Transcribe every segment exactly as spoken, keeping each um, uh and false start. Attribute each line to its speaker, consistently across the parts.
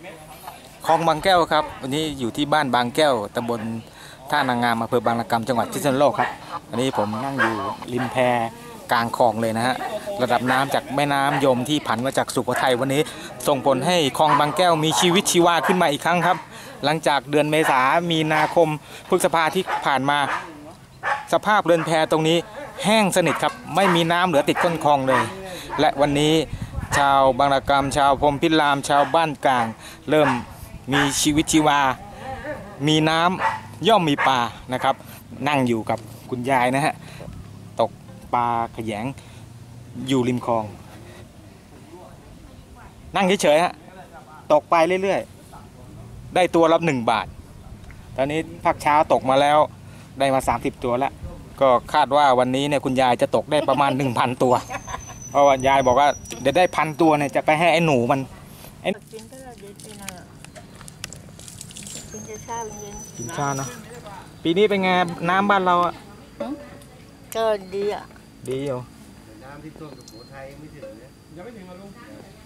Speaker 1: คลองบางแก้วครับวันนี้อยู่ที่บ้านบางแก้วตำบลท่านางงามอำเภอบางระกำจังหวัดพิษณุโลกครับวันนี้ผมนั่งอยู่ริมแพกลางคลองเลยนะฮะระดับน้ำจากแม่น้ำยมที่ผันมาจากสุโขทัยวันนี้ส่งผลให้คลองบางแก้วมีชีวิตชีวาขึ้นมาอีกครั้งครับหลังจากเดือนเมษามีนาคมพฤษภาที่ผ่านมาสภาพเรือนแพตรงนี้แห้งสนิทครับไม่มีน้ำเหลือติดก้นคลองเลยและวันนี้ชาวบางระกำชาวพรหมพิรามชาวบ้านกลางเริ่มมีชีวิตชีวามีน้ำย่อมมีปลานะครับนั่งอยู่กับคุณยายนะฮะตกปลาขยงอยู่ริมคลองนั่งเฉยๆฮะตกไปเรื่อยๆได้ตัวละหนึ่งบาทตอนนี้ภาคเช้าตกมาแล้วได้มาสามสิบตัวแล้วก็คาดว่าวันนี้เนี่ยคุณยายจะตกได้ประมาณ หนึ่งพัน ตัวเพราะว่ายายบอกว่าเดี๋ยวได้พันตัวเนี่ยจะไปให้ไอ้หนูมันไอ้กินก็เย็นไปนะกินชาเย็นกินชาเนาะปีนี้เป็นไงน้ำบ้านเราอ่ะ
Speaker 2: ก็ดีอ่ะ
Speaker 1: ดีอยู่
Speaker 3: น้ำที่ท่วมสุโขทัยไม่ถึงเนี่ยยังไม่ถึงมาลุง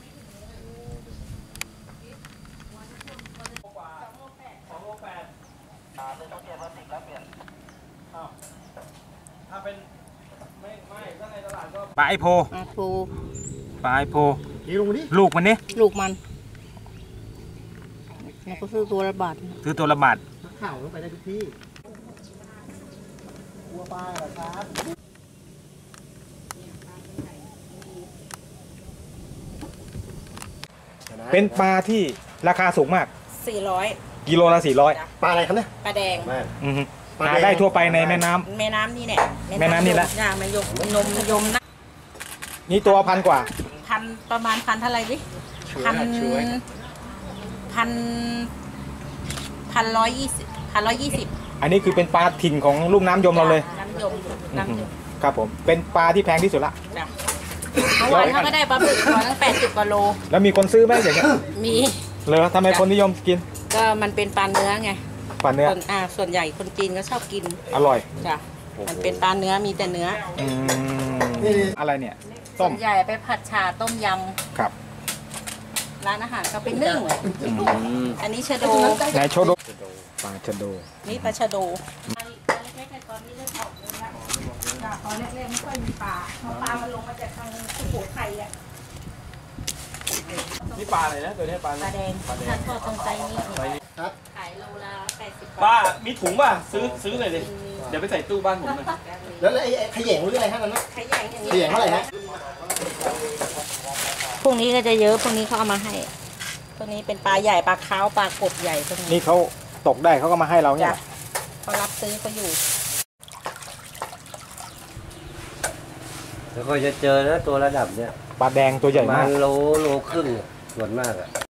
Speaker 1: ถ้าเป็นไม่ไม่ถ้าในตลาดก็ปลาไอโพ
Speaker 2: ปลาโพ
Speaker 1: ปลาไอโพ
Speaker 3: นี่ลุงนี่
Speaker 1: ลูกมันนี่
Speaker 2: ลูกมันแล้วก็ซื้อตัวละบาท
Speaker 1: ซื้อตัวละบาท
Speaker 3: ข่าวต้องไปได้ทุกที่กลัวปลาเหรอครับ
Speaker 1: เป็นปลาที่ราคาสูงมาก
Speaker 2: สี่ร้อย
Speaker 1: กิโลละสี่ร้อย
Speaker 3: ปลาอะไรครับเนี่ย
Speaker 2: ปลาแดง
Speaker 1: หาได้ทั่วไปในแม่น้
Speaker 2: ำแม่น้ำนี่แหละ
Speaker 1: แม่น้ำนี่แหละ
Speaker 2: ย่ามันยมนมยมนะ
Speaker 1: นี่ตัวพันกว่า
Speaker 2: พันประมาณพันเท่าไรดิพันพันพันร้อยยี่สิบพันร้อยยี่สิบ
Speaker 1: อันนี้คือเป็นปลาถิ่นของลุ่มน้ำยมเราเลย
Speaker 2: น้ำยมน้ำยม
Speaker 1: ครับผมเป็นปลาที่แพงที่สุดละ
Speaker 2: เมื่อวานเขาก็ได้ปลาบึกตัวตั้งแปดสิบกว่าโล
Speaker 1: แล้วมีคนซื้อไหมอย่างเงี้ย
Speaker 2: มี
Speaker 1: เหรอทำไมคนนิยมกิน
Speaker 2: ก็มันเป็นปลาเนื้อไง
Speaker 1: ปลาเนื้อ
Speaker 2: อ่าส่วนใหญ่คนจีนก็ชอบกิน
Speaker 1: อร่อย
Speaker 2: จ้ะมันเป็นปลาเนื้อมีแต่เนื้อ
Speaker 1: อืมอะไรเนี่ย
Speaker 2: ส่วนใหญ่ไปผัดชาต้มยำ
Speaker 1: ครับ
Speaker 2: ร้านอาหารก็เป็นนึ่งอันนี้ชะโด
Speaker 1: ไหนชะโดปลาชะโด
Speaker 2: นี่ปลาชะโดตอนแรกๆไม่ค่อยมีปลาเพราะปลามันลงมาจากทางสุโขทัยอ่ะ
Speaker 1: นี่ปลาอะไรนะตัวนี้ปลา
Speaker 2: ปลาแดงถ้าทอดตรงใจนี่ครับขายโลละแปดสิบ
Speaker 1: ป้ามีถุงป่ะซื้อซื้อเลยดิเดี๋ยวไปใส่ตู้บ้านผมเลย
Speaker 3: แล้วไอ้ขยงหรืออะไรฮะนั่นนะ
Speaker 2: ขยงอย่างนี้
Speaker 3: ขยงเท่าไหร่ฮะ
Speaker 2: พวกนี้ก็จะเยอะพวกนี้เขาเอามาให้พวกนี้เป็นปลาใหญ่ปลาขาวปลากบใหญ่พวกนี้
Speaker 1: นี่เขาตกได้เขาก็มาให้เราเนี่ย
Speaker 2: เขารับซื้อเขาอยู่
Speaker 3: แล้วก็จะเจอนะตัวระดับเนี้ย
Speaker 1: ปลาแดงตัวใหญ่มาก
Speaker 3: โลโลครึ่งส่วนมากอะ